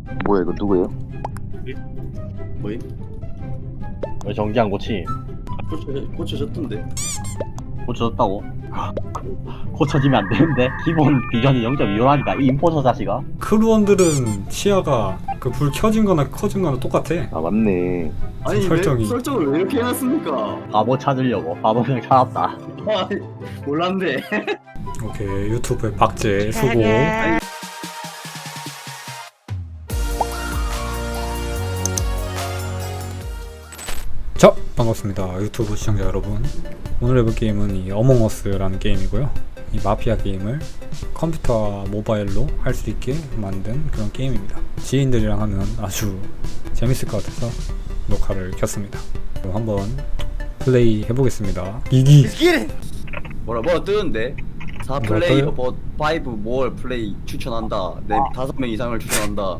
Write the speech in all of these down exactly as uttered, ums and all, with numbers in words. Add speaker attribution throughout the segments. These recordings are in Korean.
Speaker 1: 뭐야 이거 누구예요?
Speaker 2: 뭐임?
Speaker 3: 왜 정지한 고치?
Speaker 2: 고쳐, 고쳐졌던데.
Speaker 3: 고쳐졌다고? 고쳐지면 안 되는데? 기본 비전이 영 점 이오라니까 이 임포서 자식아.
Speaker 4: 크루원들은 시야가 그 불 켜진 거나 커진 거나 똑같아.
Speaker 1: 아 맞네.
Speaker 2: 아니
Speaker 4: 설정이.
Speaker 2: 왜 설정을 왜 이렇게 해놨습니까?
Speaker 3: 바보 찾으려고 바보 형 찾았다.
Speaker 2: 아, 몰랐네.
Speaker 4: 오케이, 유튜브에 박제 수고. 자, 반갑습니다 유튜브 시청자 여러분. 오늘 해볼 게임은 이 어몽어스라는 게임이고요. 이 마피아 게임을 컴퓨터와 모바일로 할 수 있게 만든 그런 게임입니다. 지인들이랑 하면 아주 재밌을 것 같아서 녹화를 켰습니다. 그럼 한번 플레이 해보겠습니다. 이기!
Speaker 2: 뭐라 뭐라 뜨는데? 사
Speaker 4: 뭐가
Speaker 2: 플레이어
Speaker 4: 떠요?
Speaker 2: 버 파이브 모어 플레이 추천한다. 네 다섯 명 이상을 추천한다.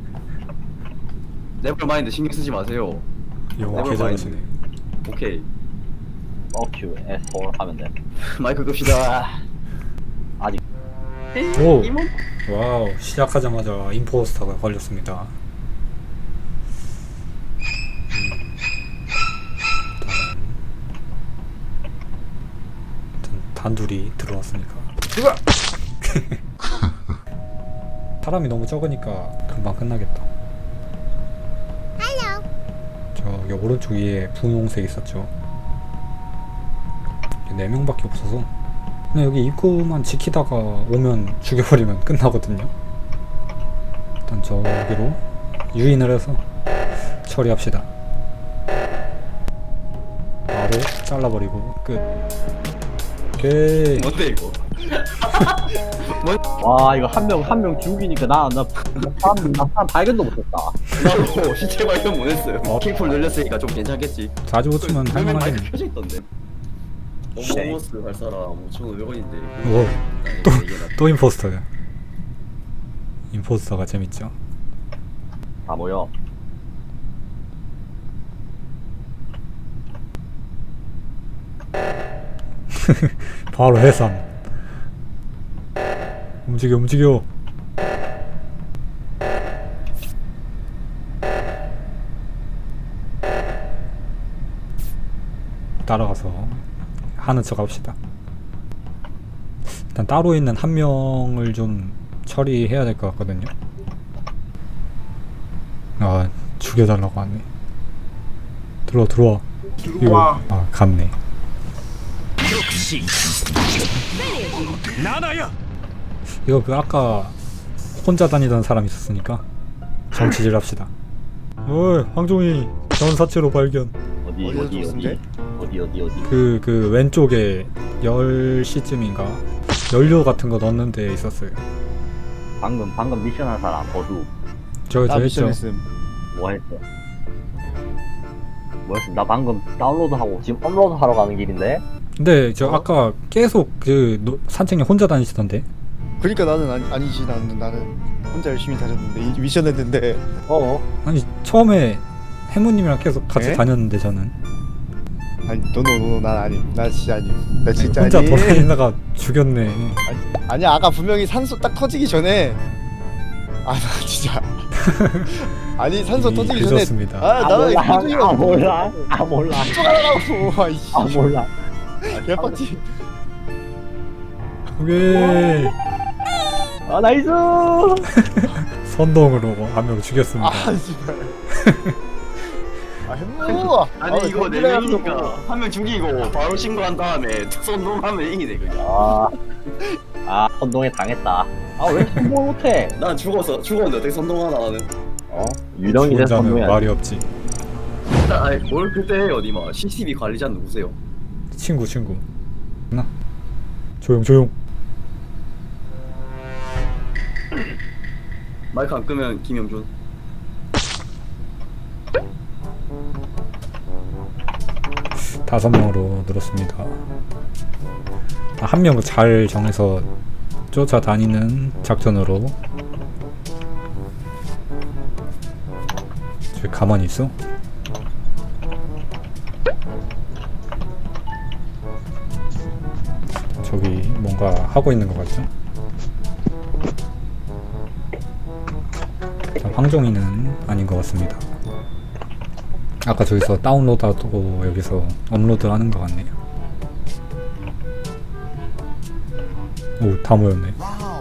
Speaker 2: 네버마인드 신경 쓰지 마세요.
Speaker 4: 영어 개잘하시네.
Speaker 2: 오케이.
Speaker 3: 어큐 에스 사 하면 돼.
Speaker 2: 마이크 끕시다.
Speaker 3: 아직
Speaker 4: 오!
Speaker 2: 이모?
Speaker 4: 와우, 시작하자마자 임포스터가 걸렸습니다. 일단 단둘이 들어왔으니까 사람이 너무 적으니까 금방 끝나겠다. 저기 오른쪽 위에 분홍색 있었죠. 네 명밖에 없어서 근데 여기 입구만 지키다가 오면 죽여버리면 끝나거든요. 일단 저기로 유인을 해서 처리합시다. 바로 잘라버리고 끝. 오케이.
Speaker 2: 뭔데 이거?
Speaker 3: 와 이거 한 명 한 명 죽이니까 나나 사람 나 사람 발견도 못했다.
Speaker 2: 나도 시체 발견 못했어요.
Speaker 4: 어?
Speaker 2: 킥풀 늘렸으니까 좀 괜찮겠지.
Speaker 4: 자주 고치면
Speaker 2: 그 마이크
Speaker 4: 할만하겠네.
Speaker 2: 켜져 있던데. 어머머스 할 사람 오천오백 원인데.
Speaker 4: 오, 또, 또 임포스터야. 임포스터가 재밌죠.
Speaker 3: 다 모여.
Speaker 4: 바로 해산. 움직여 움직여. 따라가서 하는 척 합시다. 일단 따로 있는 한 명을 좀 처리해야 될 것 같거든요. 아, 죽여달라고 하네. 들어와 들어와. 들어와. 이거, 아, 갔네. 이거 그 아까 혼자 다니던 사람 있었으니까 정치질 합시다. 어이, 황종이 전사체로 발견.
Speaker 3: 어디 어디 어디 어디 어디 어디.
Speaker 4: 그, 그 왼쪽에 열 시쯤인가 연료 같은 거 넣는 데 있었어요.
Speaker 3: 방금 방금 미션한 사람 버두
Speaker 4: 저, 저 했죠.
Speaker 3: 뭐 했어? 뭐 했어? 나 방금 다운로드하고 지금 업로드 하러 가는 길인데.
Speaker 4: 근데 저 아까 계속 그 노, 산책로 혼자 다니시던데.
Speaker 5: 그러니까 나는 아니, 아니지 나는 나는 혼자 열심히 다녔는데 이 미션 했는데
Speaker 3: 어.
Speaker 4: 아니 처음에 해무님이랑 계속 같이
Speaker 5: 에?
Speaker 4: 다녔는데 저는
Speaker 5: 아니 노노노 난 아님 나 진짜 아님 나 진짜
Speaker 4: 혼자
Speaker 5: 아님
Speaker 4: 돌아다니다가 죽였네.
Speaker 5: 아니야 아까 분명히 산소 딱 터지기 전에 아 나 진짜 아니 산소
Speaker 4: 이미
Speaker 5: 터지기 전에
Speaker 4: 늦었습니다.
Speaker 5: 아 나는 표정이가
Speaker 3: 아 몰라. 아 몰라.
Speaker 5: 쫓아가라고 아이씨
Speaker 3: 아 몰라.
Speaker 5: 개빡치
Speaker 4: 오케이.
Speaker 3: 아 나이스.
Speaker 4: 선동으로 한 명 죽였습니다.
Speaker 5: 아 씨발 아 햄무
Speaker 2: 아니 이거 네 명이니까 한 명 죽이고 바로 신고한 다음에 선동하면 이기네 그냥.
Speaker 3: 아. 아 선동에 당했다. 아 왜 선동 못해?
Speaker 2: 난 죽어서 죽었는데 어떻게 선동하나 나는.
Speaker 3: 어? 유령이 돼서
Speaker 4: 혼자는
Speaker 3: 선동이
Speaker 4: 말이 없지.
Speaker 2: 일단 아니 뭘 그때 해요 니마. 씨씨티비 관리자는 누구세요?
Speaker 4: 친구 친구. 나 조용 조용.
Speaker 2: 마이크 안 끄면 김영준.
Speaker 4: 다섯 명으로 늘었습니다. 한 명을 잘 정해서 쫓아다니는 작전으로. 저기 가만히 있어? 저기 뭔가 하고 있는 것 같죠? 황종이는 아닌 것 같습니다. 아까 저기서 다운로드하고 여기서 업로드하는 것 같네요. 오, 다 모였네.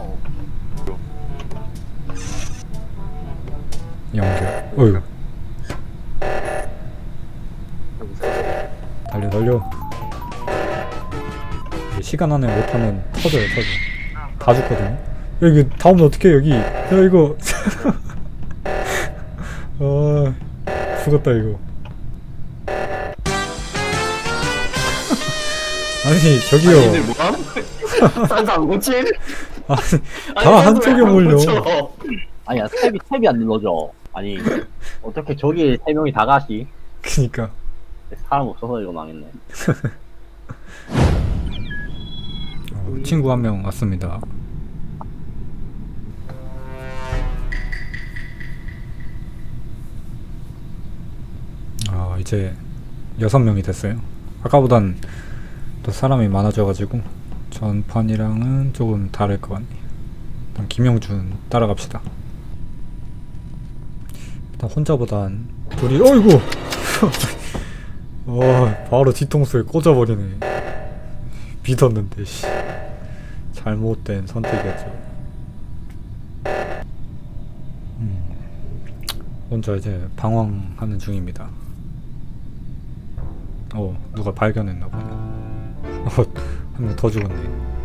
Speaker 4: 연결. 어휴. 달려 달려. 시간 안에 못하면 터져요 터져. 다 죽거든요. 여기 다 오면 어떡해 여기. 야 이거. 아 죽었다 이거. 아니 저기요.
Speaker 2: 아니 얘들 뭐함? 산사 안 고침?
Speaker 4: 아니 다 한쪽에 몰려.
Speaker 3: 아니야 탭이 탭이 안 눌러져. 아니 어떻게 저기 세 명이 다 가시?
Speaker 4: 그니까.
Speaker 3: 사람 없어서 이거 망했네.
Speaker 4: 어, 친구 한 명 왔습니다. 아 이제 여섯 명이 됐어요. 아까보단 또 사람이 많아져가지고 전판이랑은 조금 다를 것 같네요. 일단 김영준 따라갑시다. 일단 혼자보단 둘이 어이구. 와 바로 뒤통수에 꽂아버리네. 믿었는데 씨. 잘못된 선택이었죠. 음, 혼자 이제 방황하는 중입니다. 어 누가 발견했나 보네. 어, 한 명 더 죽었네.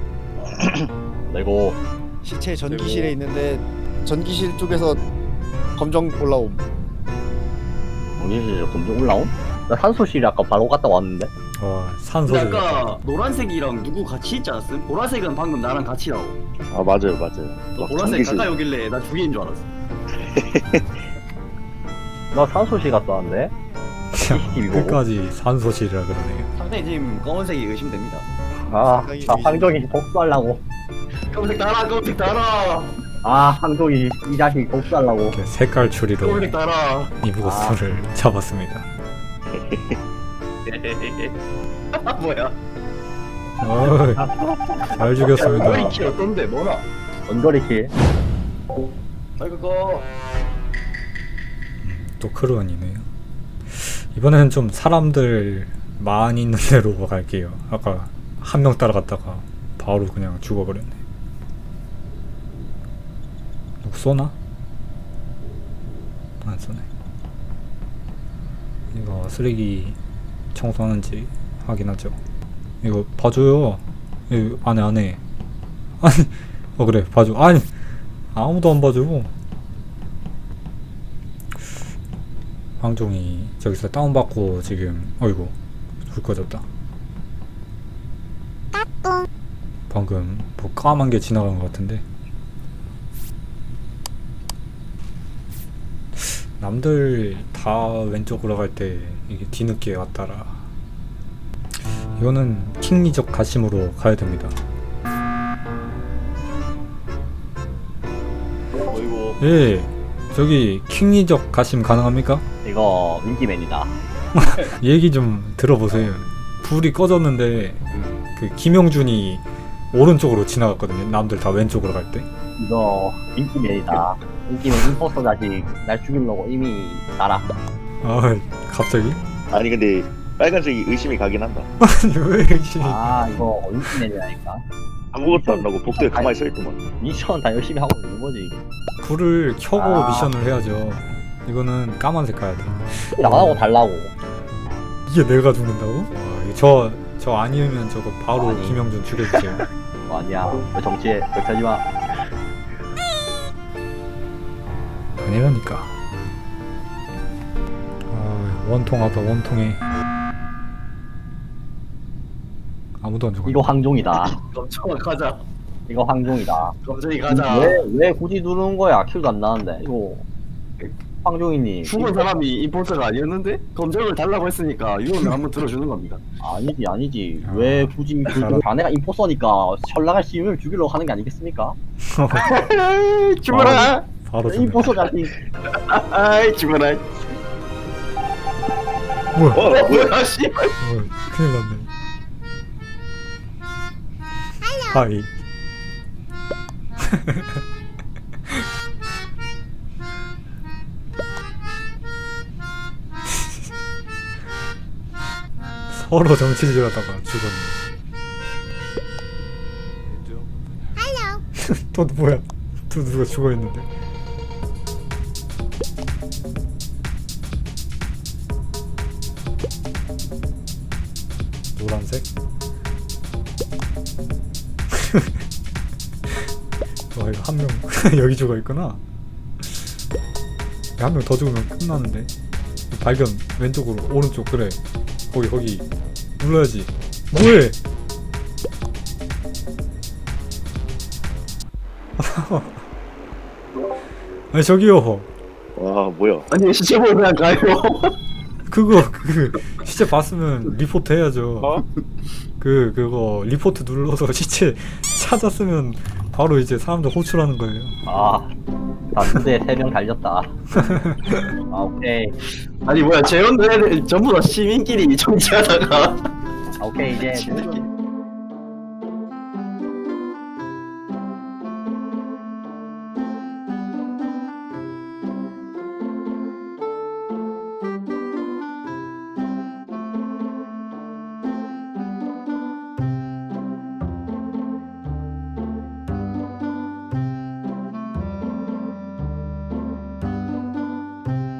Speaker 3: 그리고
Speaker 5: 시체 전기실에 있는데 전기실 쪽에서 검정 올라옴.
Speaker 3: 정신실 검정 올라온? 나 산소실에 아까 바로 갔다 왔는데.
Speaker 4: 와 산소
Speaker 2: 근데
Speaker 4: 질
Speaker 2: 아까 노란색이랑 누구 같이 있지 않았음? 보라색은 방금 나랑 같이라고.
Speaker 1: 아 맞아요 맞아요.
Speaker 2: 너
Speaker 1: 막
Speaker 2: 보라색
Speaker 1: 전기실.
Speaker 2: 가까이 오길래 나 죽이는 줄 알았어.
Speaker 3: 나 산소실 갔다 왔는데. 씨씨티비 보고.
Speaker 4: 끝까지 산소실이라 그러네요.
Speaker 2: 상당히 지금 검은색이 의심됩니다.
Speaker 3: 아,
Speaker 5: 상당히
Speaker 3: 나 황정이 복수하려고.
Speaker 2: 검은색 달아, 검은색 달아,
Speaker 3: 아, 황정이 이 자식 복수하려고.
Speaker 4: 이렇게 색깔 추리로
Speaker 2: 검은색 달아.
Speaker 4: 이브고스를 잡았습니다.
Speaker 2: 뭐야?
Speaker 4: 어이, 잘 죽였습니다.
Speaker 2: 머리 키 어떤데? 뭐나?
Speaker 3: 원거리킬.
Speaker 2: 아이고 거.
Speaker 4: 또 크루원이네요. 이번에는 좀 사람들 많이 있는 데로 갈게요. 아까 한 명 따라갔다가 바로 그냥 죽어버렸네. 누구 쏘나? 안 쏘네. 이거 쓰레기 청소하는지 확인하죠. 이거 봐줘요. 이거 안해 안해. 아니 어 그래 봐줘. 아니 아무도 안 봐줘. 황종이 저기서 다운받고 지금 어이구 불 꺼졌다. 방금 뭐 까만 게 지나간 것 같은데 남들 다 왼쪽으로 갈 때 이게 뒤늦게 왔다라. 이거는 킹리적 가심으로 가야 됩니다.
Speaker 3: 어이구.
Speaker 4: 예 저기 킹리적 가심 가능합니까?
Speaker 3: 이거 윈기맨이다.
Speaker 4: 얘기 좀 들어보세요. 불이 꺼졌는데 그 김영준이 오른쪽으로 지나갔거든요. 남들 다 왼쪽으로 갈 때.
Speaker 3: 이거 윈기맨이다. 윈기맨 임포스터 자식 날 죽이려고 이미 날아.
Speaker 4: 아 갑자기?
Speaker 1: 아니 근데 빨간색이 의심이 가긴 한다.
Speaker 4: 아니 왜 이렇게?
Speaker 3: 아, 이거 윈기맨이라니까.
Speaker 1: 아무것도 안 하고 복도에 가만히 서 있더만.
Speaker 3: 미션 다 열심히 하고 있는 거지.
Speaker 4: 불을 켜고
Speaker 3: 아.
Speaker 4: 미션을 해야죠. 이거는 까만색 가야 돼.
Speaker 3: 나가고 달라고.
Speaker 4: 이게 내가 죽는다고? 저 저 아니면 저거 바로
Speaker 3: 아니.
Speaker 4: 김영준 죽여주세요.
Speaker 3: 어, 아니야. 왜 정치해? 그렇게 하지 마.
Speaker 4: 아니라니까. 아, 원통하다 원통해. 아무도 안 죽어.
Speaker 3: 이거 황종이다.
Speaker 2: 검정아 가자.
Speaker 3: 이거 황종이다.
Speaker 2: 검정이 가자.
Speaker 3: 왜, 왜 굳이 누르는 거야? 킬도 안 나는데. 이거 황종이님.
Speaker 2: 죽은 사람이 임포스터가 아니었는데 검정을 달라고 했으니까 유언을 한번 들어주는 겁니다.
Speaker 3: 아니지 아니지.
Speaker 4: 아,
Speaker 3: 왜 굳이 그
Speaker 4: 알아.
Speaker 3: 자네가 임포서니까 전락할 시민을 죽이려고 하는 게 아니겠습니까?
Speaker 2: 죽어라.
Speaker 4: 바로 죽네.
Speaker 3: 임포서 자식.
Speaker 2: 아이 죽어라.
Speaker 4: 뭐야?
Speaker 1: 어 뭐야?
Speaker 2: 뭐야 씨.
Speaker 4: 어, 큰일 났네. 하이. 서로 정치질하다가 죽었네. 또 뭐야? 또 누가 죽어 있는데? 노란색? 와 이거 한 명 여기 죽어 있구나. 한 명 더 죽으면 끝나는데. 발견 왼쪽으로 오른쪽 그래. 거기 거기 눌러야지. 뭐해? 아니 저기요.
Speaker 1: 와 뭐야?
Speaker 2: 아니 시체 보고 그냥 가요.
Speaker 4: 그거 그 시체 봤으면 리포트 해야죠.
Speaker 1: 어?
Speaker 4: 그 그거 리포트 눌러서 시체 찾았으면 바로 이제 사람들 호출하는 거예요.
Speaker 3: 아 봤는데 세 명 달렸다. 아 오케이.
Speaker 2: 아니 뭐야 재원들 애들 전부 다 시민끼리 정치하다가
Speaker 3: 아 오케이 이제 모든